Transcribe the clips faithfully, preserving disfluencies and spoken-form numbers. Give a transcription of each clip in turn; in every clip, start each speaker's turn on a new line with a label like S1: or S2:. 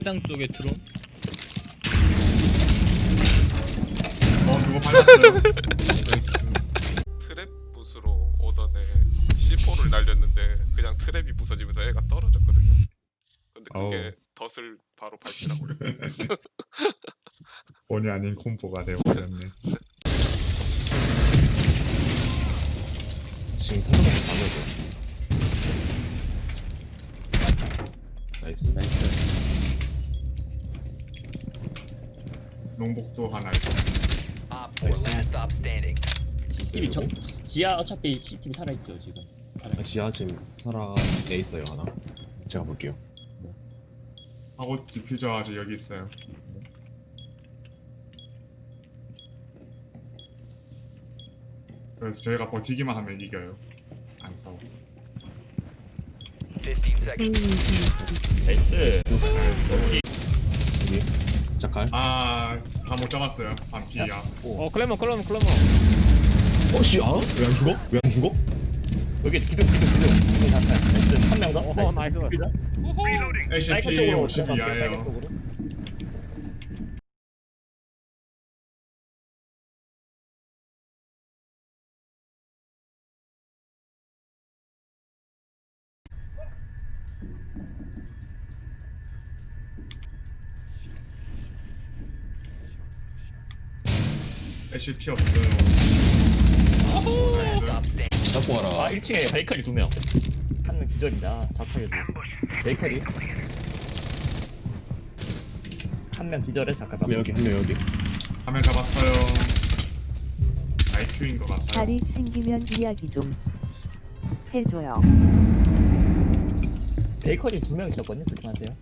S1: 땅 쪽에 드론.
S2: 어 누구 발랐어요?
S3: 트랩 붓으로 오던에 씨포를 날렸는데 그냥 트랩이 부서지면서 애가 떨어졌거든요. 근데 그게 덫을 바로 밟히라고요.
S2: 본의 아닌 콤보가 되어버렸네.
S4: 지금 통닭에서 가면서 나이스 나이스.
S2: 농복도 하나 있고.
S1: 씨씨티비 저 지하 어차피 씨씨티비 살아있죠 지금. 살아있.
S4: 지하 지금 살아내 있어요 하나. 제가 볼게요.
S2: 하고 디퓨저 아직 여기 있어요. 그래서 저희가 버티기만 하면 이겨요. 안 싸워.
S1: 나이스.
S4: 여기 자칼.
S2: 아다 못 잡았어요. 반피야.
S1: 어 클레머 클레머 클레머.
S4: 어씨 아? 왜 안 죽어? 왜 안 죽어?
S1: 여기 기둥 기둥 기둥 기둥 잡혀. 나이스. 한 명 더. 어 나이스.
S2: 에이씨피 오십 이하예요.
S1: 쪽으로.
S2: 에이씨피 없어요. 나이스.
S4: 잡고
S1: 아
S4: 와라.
S1: 일 층에 베이커리 두 명. 한 명 기절이다. 작하게도. 베이커리. 한 명 기절해 잠깐 봐.
S4: 한 명 여기 한 명 여기.
S2: 화면 잡았어요. 아이큐인 것 같아요.
S5: 자리 생기면 이야기 좀 해줘요.
S1: 베이커리 두 명 있었거든요. 조심하세요.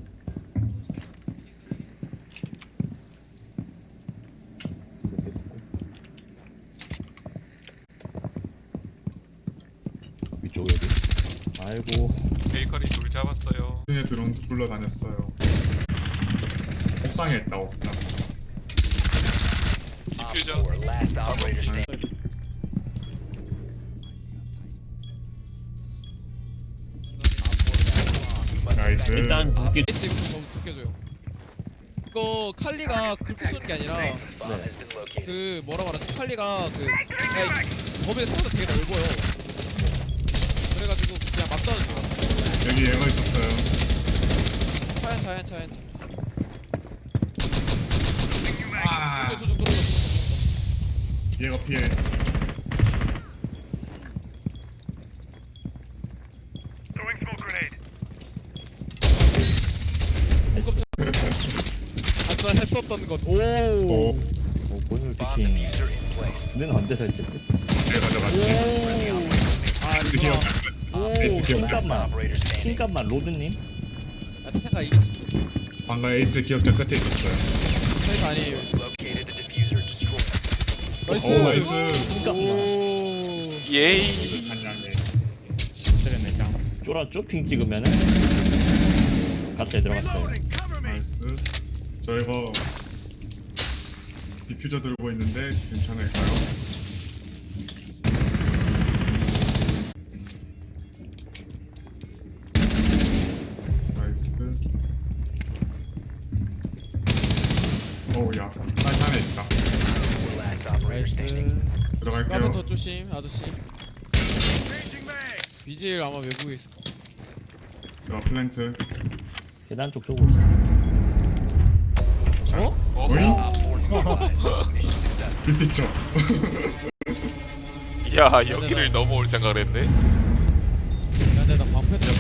S4: 위쪽 여기.
S1: 아이고.
S3: 베이커리 둘 잡았어요.
S2: 중에 드론 굴러다녔어요. 옥상에 있다 옥상.
S3: 디퓨저 사번기.
S2: 나이스.
S6: 일단 도끼 이거 좀 도껴줘요. 이거 칼리가 그렇게 쏘는 게 아니라 그 뭐라고 하지? 칼리가 그 그러니까 범위가 생각보다 되게 넓어요. 그래가지고 그냥 막 쏴도 돼요.
S2: 여기 얘가 있었어요.
S6: 차얀 차얀 차얀 차.
S2: 아
S6: 저저 저 떨어져.
S2: 얘가 피해.
S6: 아까 했었던 것. 오.
S2: 오
S1: 오 본인 피킹. 는 언제 설치했지?
S2: 내가 가져갔지.
S6: 아
S2: 에이스
S6: 이거.
S2: 기억.
S6: 오.
S2: 에이스 기억.
S1: 킹값만. 킹값만 로드님.
S6: 나도 생각 이게
S2: 방금 에이스 기억자 끝에 있었어요.
S6: 차이가 아니에요. 나이스.
S2: 오 나이스.
S1: 킹값만.
S6: 오.
S3: 예이.
S2: 한양에.
S1: 쫄아 쪼핑 찍으면은 갑자기 들어갔어요.
S2: 나이스. 저 이거 디퓨저 들고 있는데 괜찮을까요? 나이스. 오우야. 빨간에 있다.
S6: 나이스. 까면
S2: 들어갈게요.
S6: 더 조심 아저씨. 비질 아마 외국에 있을 거.
S2: 자, 플랜트.
S1: 계단 쪽 쪽으로.
S6: 어?
S3: 어허.
S2: 빅픽처.
S3: 야 여기를 넘어올 생각을 했네.
S6: 야, 근데 나 방패 좀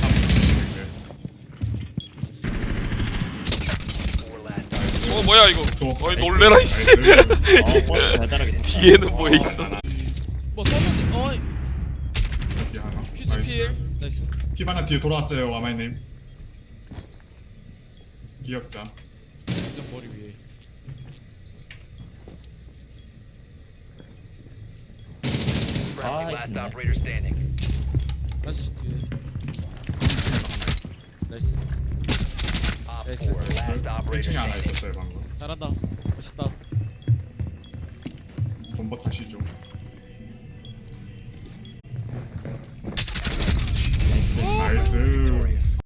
S3: 어 뭐야 이거.
S2: 또.
S3: 어이 놀래라 이씨.
S2: 나이스.
S1: 어 버스 달달하게.
S3: 뒤에는 뭐 있어?
S6: 뭐 써면 어
S2: 여기 하나.
S6: 퓨즈
S2: 나이스.
S6: 필 나이스.
S2: 피바나 뒤에 돌아왔어요, 와마이님. 기억자.
S6: 진짜 머리 위에.
S1: 아 있네.
S6: 다시 뒤에. 나이스. 나이스.
S2: 일 층에 하나 있었어요, 방금.
S6: 잘한다. 멋있다.
S2: 본버 다시죠.